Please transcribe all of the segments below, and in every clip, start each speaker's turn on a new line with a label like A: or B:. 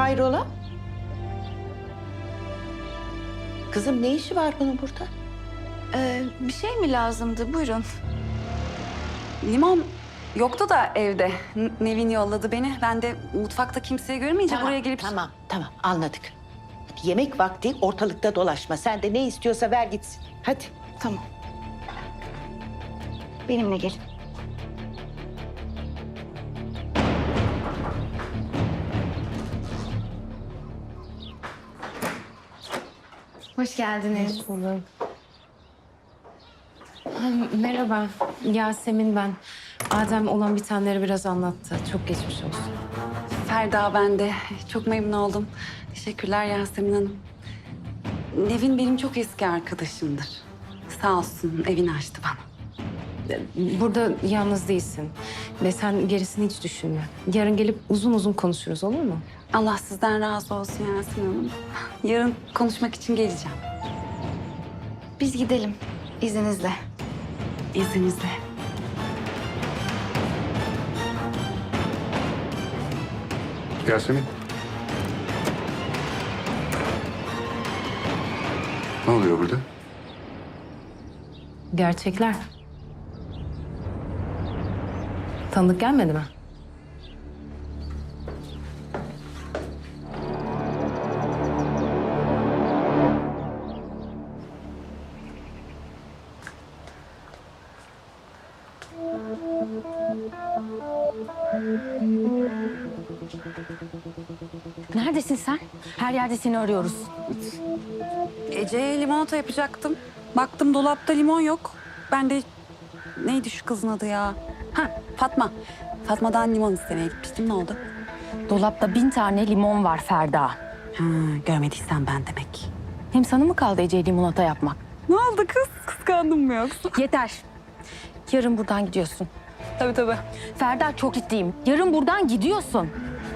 A: Hayrola? Kızım ne işi var bunun burada?
B: Bir şey mi lazımdı? Buyurun. Limon yoktu da evde. Nevin yolladı beni. Ben de mutfakta kimseyi görmeyince buraya gelip...
A: Tamam anladık. Hadi yemek vakti ortalıkta dolaşma. Sen de ne istiyorsa ver gitsin. Hadi.
B: Tamam. Benimle gelin.
C: Hoş geldiniz. Hoş bulduk. Merhaba, Yasemin ben. Adem olan bitenleri biraz anlattı. Çok geçmiş olsun.
B: Ferda ben de. Çok memnun oldum. Teşekkürler Yasemin Hanım. Nevin benim çok eski arkadaşımdır. Sağ olsun evini açtı bana.
C: Burada yalnız değilsin. Ve sen gerisini hiç düşünme. Yarın gelip uzun uzun konuşuruz, olur mu?
B: Allah sizden razı olsun Yasemin Hanım. Yarın konuşmak için geleceğim.
D: Biz gidelim izninizle.
B: İzninizle.
E: Yasemin. Ne oluyor burada?
C: Gerçekler. Tanıdık gelmedi mi?
D: Neredesin sen? Her yerde seni arıyoruz.
B: Ece'ye limonata yapacaktım. Baktım dolapta limon yok. Ben de neydi şu kızın adı ya? Ha Fatma. Fatma'dan limon istemeye gitmiştim. Ne oldu?
D: Dolapta 1000 tane limon var Ferda.
B: Ha, görmediysen ben demek.
D: Hem sana mı kaldı Ece'ye limonata yapmak?
B: Ne oldu kız? Kıskandın mı yoksa?
D: Yeter. Yarın buradan gidiyorsun.
B: Tabii.
D: Ferda çok ciddiyim. Yarın buradan gidiyorsun.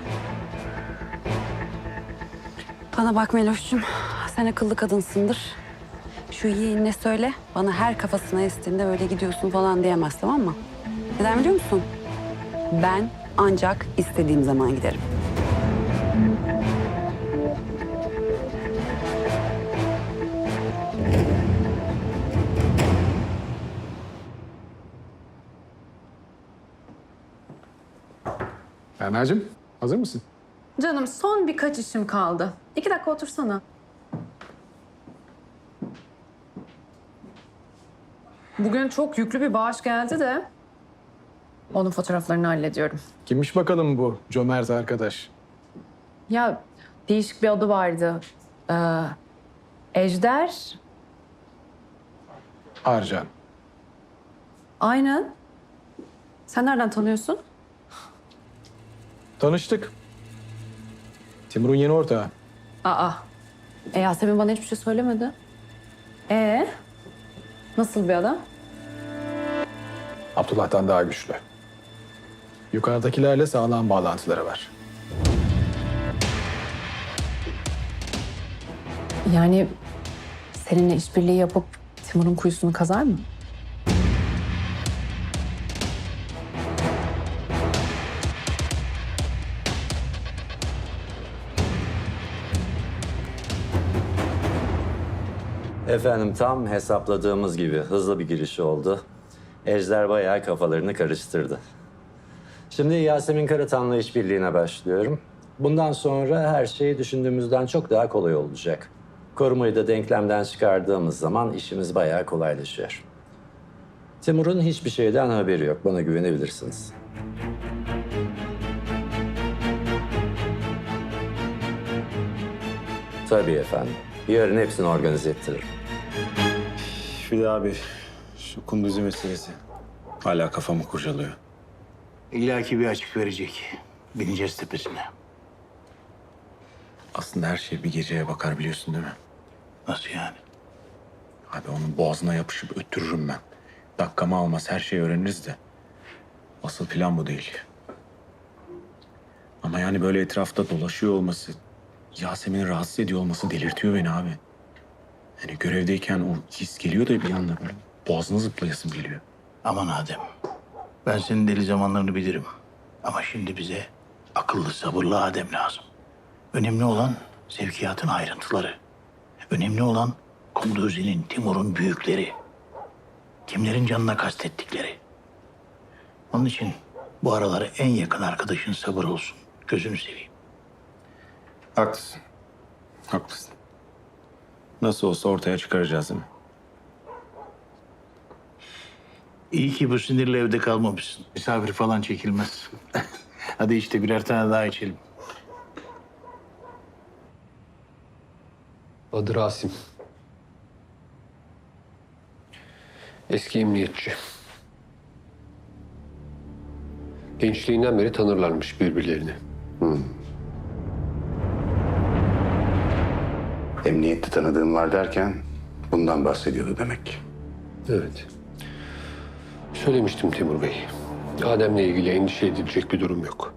B: Bana bak Meloş'cum. Sen akıllı kadınsındır. Şu yeğenine söyle. Bana her kafasına estiğinde öyle gidiyorsun falan diyemez, tamam mı? Neden biliyor musun? Ben ancak istediğim zaman giderim.
E: Berna'cığım hazır mısın?
C: Canım son birkaç işim kaldı. 2 dakika otursana. Bugün çok yüklü bir bağış geldi de onun fotoğraflarını hallediyorum.
F: Kimmiş bakalım bu cömert arkadaş?
C: Ya değişik bir adı vardı. Ejder.
F: Arcan.
C: Aynen. Sen nereden tanıyorsun?
F: Tanıştık. Timur'un yeni ortağı.
C: Aa. Yasemin bana hiçbir şey söylemedi. Nasıl bir adam?
F: Abdullah'tan daha güçlü. Yukarıdakilerle sağlam bağlantıları var.
C: Yani seninle işbirliği yapıp Timur'un kuyusunu kazar mı?
G: Efendim tam hesapladığımız gibi hızlı bir giriş oldu. Ejder bayağı kafalarını karıştırdı. Şimdi Yasemin Karatan'la işbirliğine başlıyorum. Bundan sonra her şey düşündüğümüzden çok daha kolay olacak. Korumayı da denklemden çıkardığımız zaman işimiz bayağı kolaylaşıyor. Timur'un hiçbir şeyden haberi yok. Bana güvenebilirsiniz. Tabii efendim. Yarın hepsini organize ettiririm.
H: Bir de abi şu Kunduzi meselesi hala kafamı kurcalıyor.
I: İlla ki bir açık verecek. Bineceğiz tepesine.
H: Aslında her şey bir geceye bakar biliyorsun değil mi?
I: Nasıl yani?
H: Abi onun boğazına yapışıp öttürürüm ben. Dakikamı almaz her şeyi öğreniriz de. Asıl plan bu değil. Ama yani böyle etrafta dolaşıyor olması, Yasemin'i rahatsız ediyor olması delirtiyor beni abi. Yani görevdeyken o his geliyor da bir anda böyle boğazına zıplayasım geliyor.
I: Aman Adem. Ben senin deli zamanlarını bilirim. Ama şimdi bize akıllı, sabırlı Adem lazım. Önemli olan sevkiyatın ayrıntıları. Önemli olan Kunduzi'nin, Timur'un büyükleri. Kimlerin canına kastettikleri. Onun için bu aralar en yakın arkadaşın sabır olsun. Gözünü seveyim.
H: Haklısın. Haklısın. Nasıl olsa ortaya çıkaracağız değil mi?
I: İyi ki bu sinirle evde kalmamışsın. Misafir falan çekilmez. Hadi işte birer tane daha içelim.
J: Adı Rasim. Eski emniyetçi. Gençliğinden beri tanırlarmış birbirlerini.
E: Emniyette tanıdığım var derken bundan bahsediyordu demek.
J: Evet. Söylemiştim Timur Bey. Adem'le ilgili endişe edilecek bir durum yok.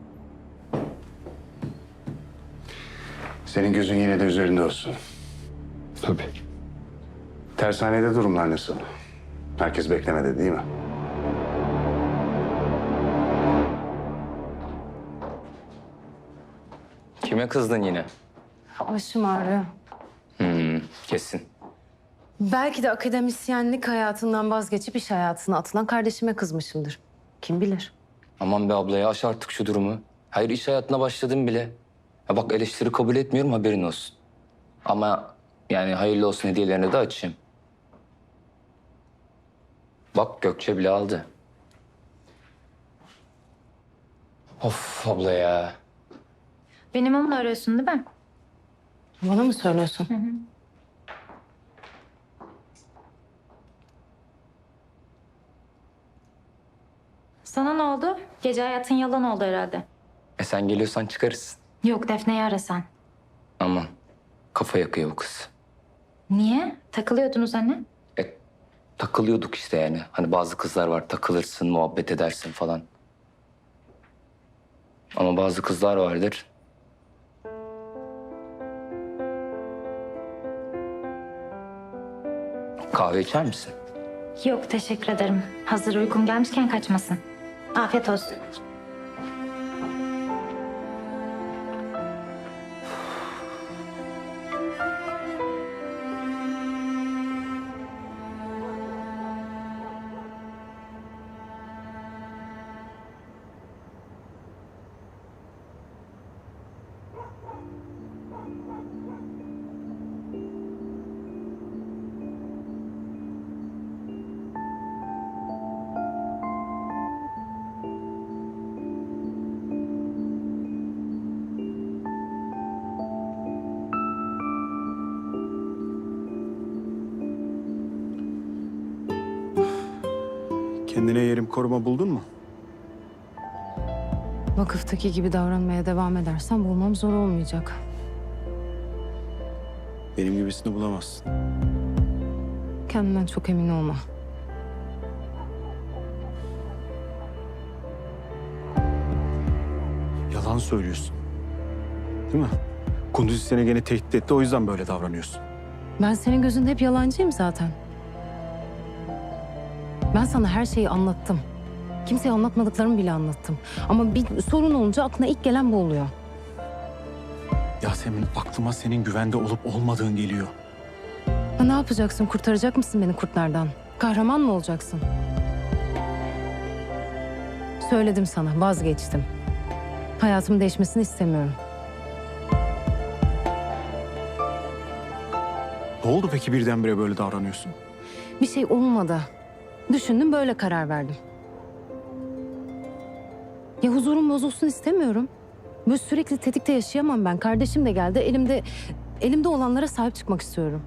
E: Senin gözün yine de üzerinde olsun.
J: Tabii.
E: Tersanede durumlar nasıl? Herkes beklemedi değil mi?
K: Kime kızdın yine?
C: Başım ağrıyor.
K: Kesin.
C: Belki de akademisyenlik hayatından vazgeçip iş hayatına atılan kardeşime kızmışımdır. Kim bilir?
K: Aman be ablaya aş artık şu durumu. Hayır iş hayatına başladım bile. Ya bak eleştiri kabul etmiyorum haberin olsun. Ama yani hayırlı olsun hediyelerini de açayım. Bak Gökçe bile aldı. Of abla ya.
D: Benim onunla arıyorsun değil mi?
C: Bana mı söylüyorsun?
L: Sana ne oldu? Gece hayatın yalan oldu herhalde.
K: Sen geliyorsan çıkarız.
L: Yok, Defne'yi ara sen.
K: Aman kafa yakıyor bu kız.
L: Niye? Takılıyordunuz hani.
K: Takılıyorduk işte yani. Hani bazı kızlar var takılırsın, muhabbet edersin falan. Ama bazı kızlar vardır. Kahve içer misin?
L: Yok, teşekkür ederim. Hazır uykum gelmişken kaçmasın. Afiyet olsun.
H: Kendine yerim koruma buldun mu?
C: Vakıftaki gibi davranmaya devam edersen bulmam zor olmayacak.
H: Benim gibisini bulamazsın.
C: Kendinden çok emin olma.
H: Yalan söylüyorsun. Değil mi? Kunduzi seni gene tehdit etti, o yüzden böyle davranıyorsun.
C: Ben senin gözünde hep yalancıyım zaten. Ben sana her şeyi anlattım. Kimseye anlatmadıklarımı bile anlattım. Ama bir sorun olunca aklına ilk gelen bu oluyor.
H: Yasemin, aklıma senin güvende olup olmadığın geliyor.
C: Ha, ne yapacaksın? Kurtaracak mısın beni kurtlardan? Kahraman mı olacaksın? Söyledim sana, vazgeçtim. Hayatımın değişmesini istemiyorum.
H: Ne oldu peki birdenbire böyle davranıyorsun?
C: Bir şey olmadı. Düşündüm, böyle karar verdim. Ya huzurum bozulsun istemiyorum. Böyle sürekli tetikte yaşayamam ben. Kardeşim de geldi. Elimde olanlara sahip çıkmak istiyorum.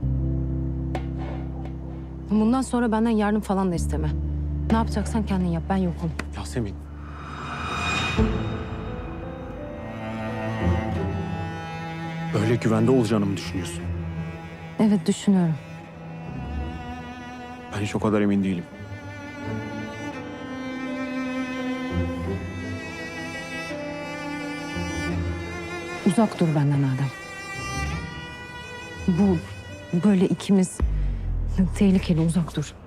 C: Bundan sonra benden yardım falan da isteme. Ne yapacaksan kendin yap. Ben yokum.
H: Yasemin. Öyle güvende olacağını mı düşünüyorsun?
C: Evet, düşünüyorum.
H: Ben hiç o kadar emin değilim.
C: Uzak dur benden Adem. Bu böyle ikimiz tehlikeli, uzak dur.